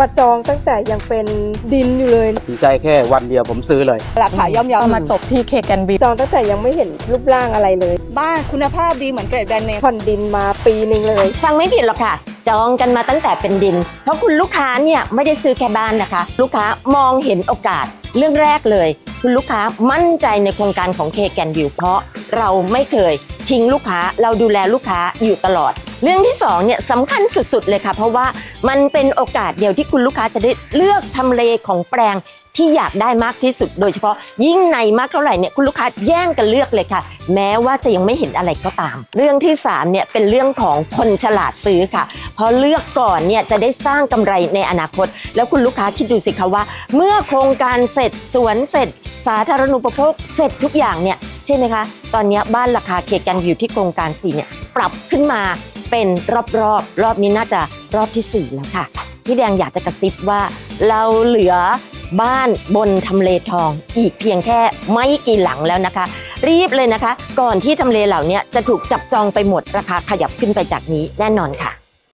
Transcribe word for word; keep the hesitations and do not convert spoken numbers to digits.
ประจองตั้งแต่ยังเป็นดินอยู่เลยตัดสินใจแค่วันเดียวผมซื้อเลยราคาย่อมเยามาจบที่เคแกนบีจองตั้งแต่ยังไม่เห็นรูปร่างอะไรเลยบ้านคุณภาพดีเหมือนเกรดแบรนด์เนมผ่อนดินมาปีหนึ่งเลยฟังไม่ผิดหรอกค่ะจองกันมาตั้งแต่เป็นดินเพราะคุณลูกค้าเนี่ยไม่ได้ซื้อแค่บ้านนะคะลูกค้ามองเห็นโอกาสเรื่องแรกเลยคุณลูกค้ามั่นใจในโครงการของ เค แกรนด์ วิว เพราะเราไม่เคยทิ้งลูกค้าเราดูแลลูกค้าอยู่ตลอดเรื่องที่สองเนี่ยสำคัญสุดๆเลยค่ะเพราะว่ามันเป็นโอกาสเดียวที่คุณลูกค้าจะได้เลือกทำเลของแปลงที่อยากได้มากที่สุดโดยเฉพาะยิ่งในมากเท่าไหร่เนี่ยคุณลูกค้าแย่งกันเลือกเลยค่ะแม้ว่าจะยังไม่เห็นอะไรก็ตามเรื่องที่สามเนี่ยเป็นเรื่องของคนฉลาดซื้อค่ะเพราะเลือกก่อนเนี่ยจะได้สร้างกำไรในอนาคตแล้วคุณลูกค้าคิดดูสิคะว่าเมื่อโครงการเสร็จสวนเสร็จสาธารณูปโภคเสร็จทุกอย่างเนี่ยใช่ไหมคะตอนนี้บ้านราคา เค แกรนด์ วิว ที่โครงการสี่เนี่ยปรับขึ้นมาเป็นรอบๆ ร, รอบนี้น่าจะรอบที่สี่แล้วค่ะพี่แดงอยากจะกระซิบว่าเราเหลือบ้านบนทำเลทองอีกเพียงแค่ไม่กี่หลังแล้วนะคะรีบเลยนะคะก่อนที่ทำเลเหล่านี้จะถูกจับจองไปหมดราคาขยับขึ้นไปจากนี้แน่นอนค่ะ